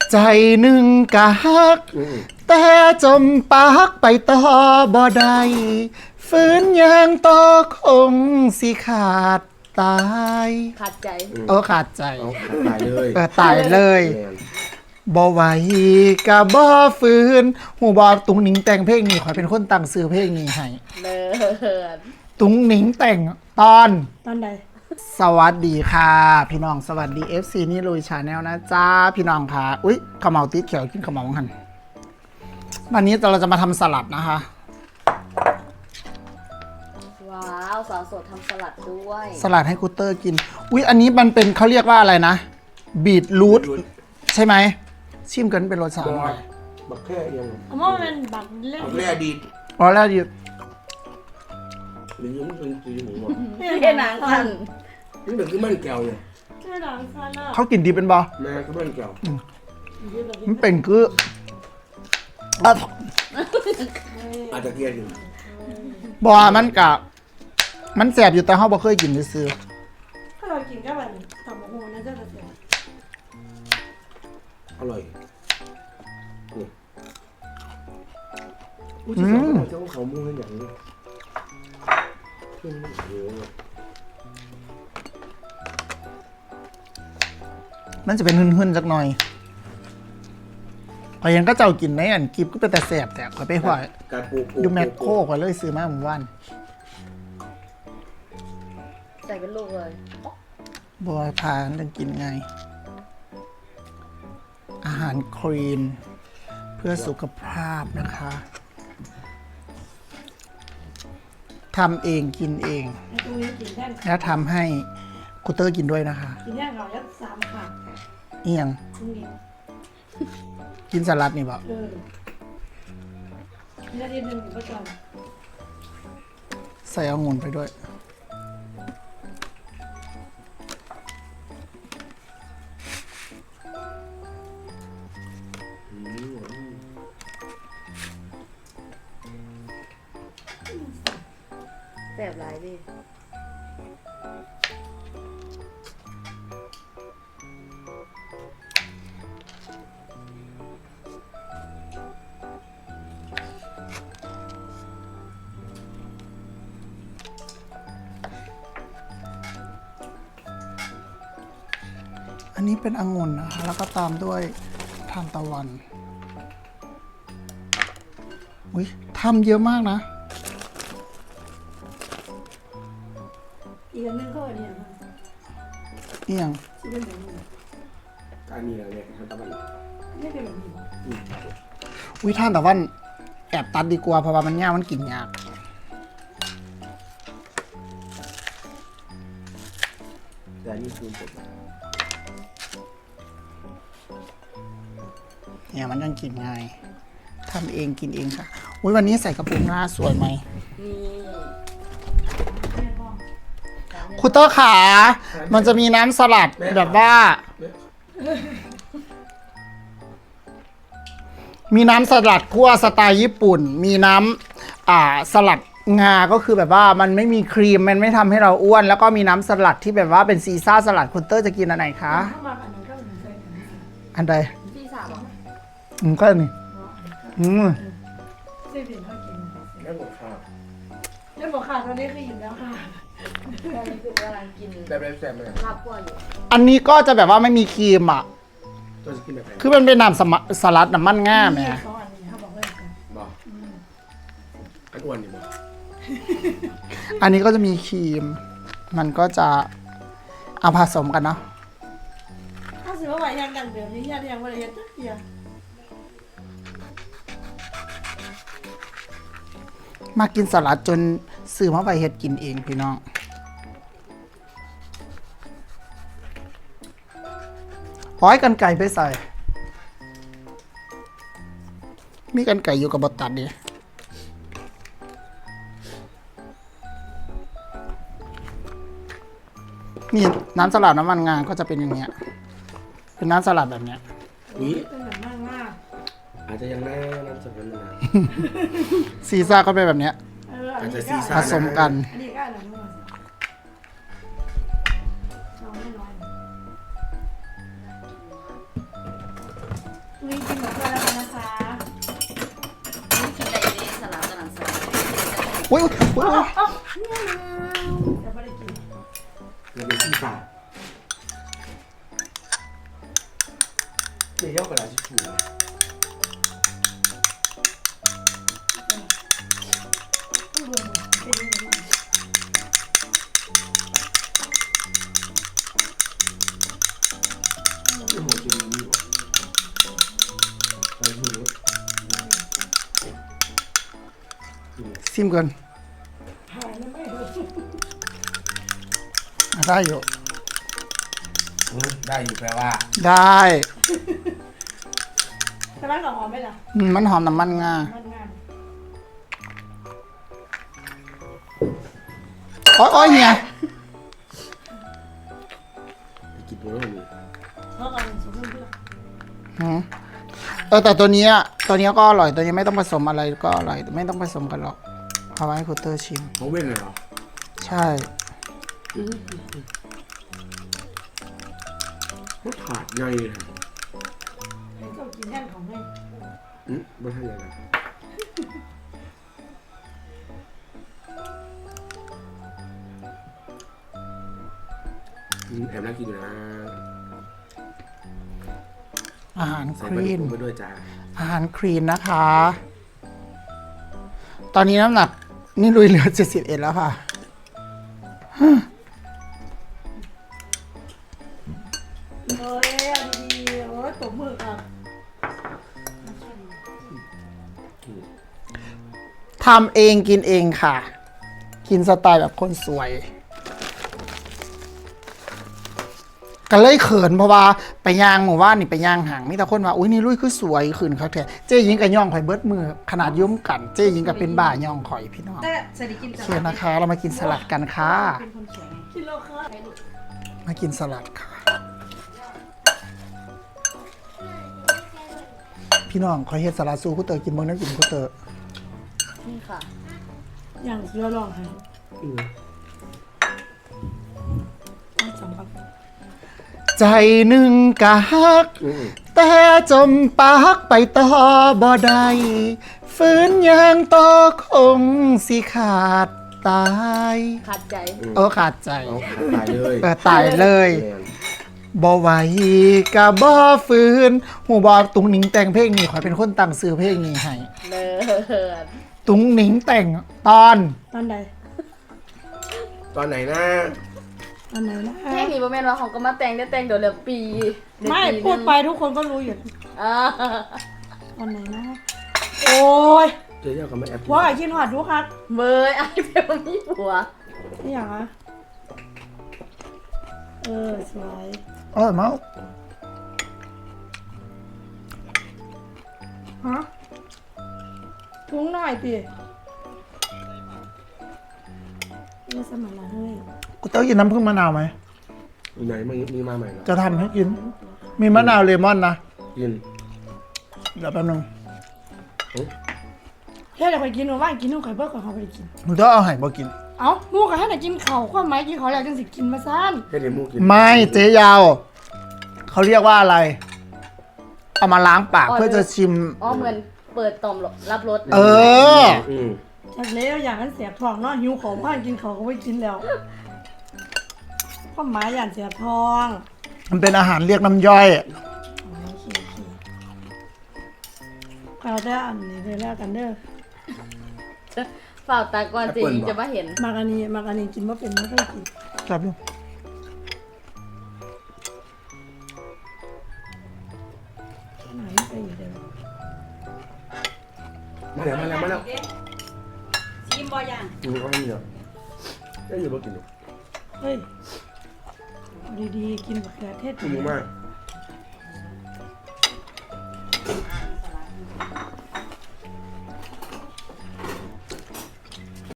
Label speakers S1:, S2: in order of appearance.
S1: ใจหนึ่งกะฮักแต่จมปากไปต่อบ่ได้ฝืนยางต่อคงสิขาดตาย
S2: ขาดใจ
S1: ขาดใจ
S3: เอาตายเลย
S1: ตายเลยบ่ไหวกะบ่ฝืนหูบอตุงหนิงแต่งเพลงนี้ขอยเป็นคนตั้งซื้อเพลงนี้ให้
S2: เลิศ
S1: ตุงหนิงแต่งตอน
S4: ตอนใด
S1: สวัสดีค่ะพี่น้องสวัสดี FC นี่ลุยชาแนลนะจ้าพี่น้องค่ะอุ๊ยขมเหลาติดเขียวกินขมเหลาหันวันนี้เราจะมาทำสลัดนะคะ
S2: ว้าวสาวโสดทำสลัดด้วย
S1: สลัดให้กูเตอร์กินอุ๊ยอันนี้มันเป็นเขาเรียกว่าอะไรนะบีทรูทใช่ไหมชิมกันเป็นรสชาติอะไร
S3: บักแค่ยัง
S4: เอาว่ามันบักเล่น
S3: บักแค่ดี
S1: อ๋อแล้วดิ
S3: หรือยังเป็นสีหมูหมด
S2: เห็นหนังกัน
S3: นี่เด็กคือมันแก้วเนี่ย
S4: ใช่หลังซันอ่ะ
S1: เขากินดีเป็นบอ
S3: แม่คือมันแก้ว
S1: มันเป็นคืออ่ะ
S3: อาจจะเกลียดอยู่
S1: บอมันกะมันแสบอยู่แต่เขาบ่เคยกินซื้อ
S4: ถ้าเรากินก็แบบตับหมูน่าจะเสีย
S3: อร่อยอุ้ยจะสอนเจ้าเขามูให้อย่างนี้ขึ้นไม่เยอะเลย
S1: มันจะเป็นหึ่นๆสักหน่อยพอยังก็เจ้ากินในอันกิบก็เป็นแต่แสบแต่ขอยไปหัว
S3: การปู
S1: อยู่แมคโครก็เลยซื้อมาหมู่บ้าน
S2: ใส่เป็นลูกเลย
S1: บอยพาเรื่องกินไง อาหารคลีน เพื่อสุขภาพนะคะทำเองกินเอง
S4: ไอ้ตรงนี้กินแท่ง
S1: แล้วทำให้คุเตอร์กินด้วยนะคะ
S4: กินแท่งเรายัด3ขาด
S1: เอียง
S4: ตรงนี้
S1: กินสลัดนี่บอก
S4: นาทีหนึ่งก็จบ
S1: ใส่องุ่นไปด้วย
S2: แบบไรดิ
S1: อันนี้เป็นองุ่นนะคะ แล้วก็ตามด้วยทานตะวัน อุ้ยทำเยอะมากนะ
S4: อีกอันนึงก็อันนี้
S1: เอียง
S4: ที่เป็นแบบนี้
S3: การนี้อะไรเนี่ยทำตะวัน
S4: ไม่เป็นแบบนี้
S1: อุ้ยท่านตะวันแอบตัดดีกว่าเพราะว่ามันยากมันกินยาก
S3: แต่นี่คือผม
S1: เนี่ยมันยังกินง่ายทำเองกินเองค่ะ อุ้ยวันนี้ใส่กระปุกหน้าสวยไหม
S2: นี่
S1: คุณเตอร์ขา มันจะมีน้ำสลัดแบบว่า มีน้ำสลัดคั่วสไตล์ญี่ปุ่น มีน้ำสลัดงา ก็คือแบบว่ามันไม่มีครีม มันไม่ทำให้เราอ้วน แล้วก็มีน้ำสลัดที่แบบว่าเป็นซีซ่าสลัด คุณเตอร์จะกินอันไหนคะ
S4: เข้ามาอันนึงก็เหมือนกัน
S1: อันใด
S2: พี่สาวบอก
S1: ก็อันนี่อืม
S4: เส้นเผ็ดเขากิน
S3: แล้วหมดข้าว
S4: เรื่องบอกขาดตอนนี้คืออิ่มแล้วค่ะ
S2: ตอนนี้คือกำลังกิน
S3: แบบไรแซ่บไหม
S2: ลาบกั้วอยู่
S1: อันนี้ก็จะแบบว่าไม่มีครีมอ่ะ
S3: ตัวจะกินแบบไหน
S1: คือมันเป็นน้ำสลัดน้ำมันง่ามเนี่ย
S4: 2 อันนี้เขาบอกว่ากัน
S3: บอกอันอ้วนนี่บอก
S1: อันนี้ก็จะมีครีม มันก็จะเอาผสมกันเนาะ
S4: ถ้าสิว่าไหวยังกันแบบนี้ยังว่าอะไรยัดเดียว
S1: มากินสลัดจนซื้อมาไปเฮ็ดกินเองพี่น้อง ขอให้กันไก่ไปใส่ มีกันไก่อยู่กับบตัดดินี่น้ำสลัดน้ำมันงาก็จะเป็นอย่างเงี้ย เป็นน้ำสลัดแบบเนี้ย
S3: นี่
S4: เป็นแบบมากมาก
S3: อาจจะยังแน่น้ำสลัดนะ
S1: ซีซ่าก็เป็นแบบเนี้ย
S3: อาจจะซีซ่า
S1: ผสมกัน
S4: อันนี้ก็อะไรนู่นเราไม่น้อยนี่กินหมดแล้วกันนะคะ
S2: นี่กินได้ดีสลัดสลัดสลัด
S1: อุ้ยอุ้ย
S4: เอ้าจะไม่ได้กิน
S3: เราเป็นที่ปากเดี๋ยวย่อกระดาษทิชชู่
S4: ต้องรวมหมดเป็นยังไง
S3: ที่หัวกินนี่อยู่ไปมือ
S1: ซิมก่อน
S4: หายแล้วไม่รู้
S1: ได้อยู่
S3: ได้อยู่แปลว่า
S1: ได้
S4: แต่ร้านกับหอมไหมล่ะ
S1: มันหอมน้ำมันงา
S4: มันงาม
S1: โอ้ยเนี่ย
S3: ไปกินตัวนั้นเลย
S4: เพราะกันสมมติว่า
S1: หืมแต่ตัวเนี้ยก็อร่อยตัวนี้ไม่ต้องผสมอะไรก็อร่อยไม่ต้องผสมกันหรอกเอาไว้ให้คุณเตอร์ชิม
S3: เขาเว้นเลยเหรอ
S1: ใช่
S3: เขาขาดไงเลย
S4: ให้เจ้ากินแน่นของให้
S3: ไม่ใช่ยังไงแอบน่ากินอยู่นะ
S1: อาหารค
S3: ใส่ปลา
S1: ลี
S3: ดุ
S1: น
S3: กไปด้วยจ้า
S1: อาหารคลีนนะคะ ตอนนี้น้ำหนักนี่ลุยเหลือ71แล้วค่ะ
S4: เอ้ยดีๆโอ้ยตบมืออ่ะ
S1: ทำเองกินเองค่ะ กินสไตล์แบบคนสวย ก็เลยเขินเพราะว่าไปย่างหมู่บ้านนี่ไปย่างห่างมีแต่คนว่าอุ้ยนี่ลุยคือสวยขึ้นครับแท้เจ๊ยิงกับย่องข่อยเบิดมือขนาดยุ่มกันเจ๊ยิงกับเป็นบ่าย่องข่อยพี่น้อง
S4: แต่สวัสดีกิน
S1: โอเคนะคะ เรามากินสลัดกันค่ะ
S4: เป็นคนสวยกินโลค่ะ
S1: มากินสลัดค่ะ พี่น้องขอเฮ็ดสลัดสู้คุเตอร์กินเบิ่งน้ำกินคุเตอร์
S2: นี่ค่ะ
S4: อย่างเสือลองให้ต้องสำคัญ
S1: ใจหนึ่งกะฮัก แต่จมปากไปต่อบ่ได้ฝืนยางต่อคงสิขาดตาย
S2: ขาดใจ
S1: ขาดใจ
S3: เอาขาดตายเลย
S1: ตายเลยบ่ไหวกะบ่ฝืนหูบอตุงหนิงแต่งเพลงนี้ขอยเป็นคนตั้งซื้อเพลงนี้ให้
S2: เลิศ
S1: ตุงหนิงแต่งตอน
S4: ตอนใด
S3: ตอนไหนนะ
S4: ตอนไหนนะ
S2: แค่นี้บ่แม่นว่าเขาก็มาแต่งได้แต่งเดี๋ยวเหลือปีเยว
S4: ไม่
S2: ปี
S4: พูด
S2: นึง
S4: ไปทุกคนก็รู้อยู่
S2: อ่า
S4: ตอนไหนนะ โอ้ย
S3: เจอเยอะกับแม่แอป
S4: ว่าไอ้คิดหอดรู้ครับ
S2: เมยไอ้เบลมีผัว
S4: นี่อย่างอะสวย
S1: อร่อยมาก
S4: ฮะทุ้งหน่อยสินี่สมัยละเฮ้ย
S1: กูเต้ากินน้ำผึ้งมะนาวไหม
S3: อยู่ไหนมีมาใหม่เหรอ
S1: จะทำให้กิน มีมะนาวเลมอนนะ
S3: กิน
S1: เดี๋ยวแป๊บนึง
S4: เฮ้ยเดี๋ยวไปกินหนูว่ากินหนูไข่เบิร์ก่อนเขาไปกิน
S1: หนูต้องเอาไห่บ่กิน
S4: เอ้าหมูกับให้ไหนกินเข่าความหมายกินเขาแล้วจังสิกินมาซ่าน
S3: ให้เดมูกิน
S1: ไม่เจ๊ยาวเขาเรียกว่าอะไร เอามาล้างปากเพื่อจะชิม
S2: อ๋อเหมือนเปิดต่อมรับรส
S1: เออ
S4: จากเลี้ยวอย่างนั้นเสียบท้องเนาะหิวของพ่านกินเขาก็ไม่กินแล้วความหมายอย่างเสียบท้อง
S1: มันเป็นอาหารเรียกน้ำย่อย
S4: โอเคเอาได้อันนี้เลยแล้วกันเด้อ
S2: ฝ่าตาก่อนเจยิงจะมาเห็น
S4: มากอันนี้กินว่าเป็นไม่เคยกิน
S1: ครับลูก
S4: ไหนไปอยู่เดิม
S3: มาแล้ว
S4: ชิมบอย่าง
S3: เขาไม่มีหรอกได้อยู่บ่กินหรอก
S4: เฮ้ยเอาดีๆกินบักเขือเทศ
S3: กินมาก
S4: เ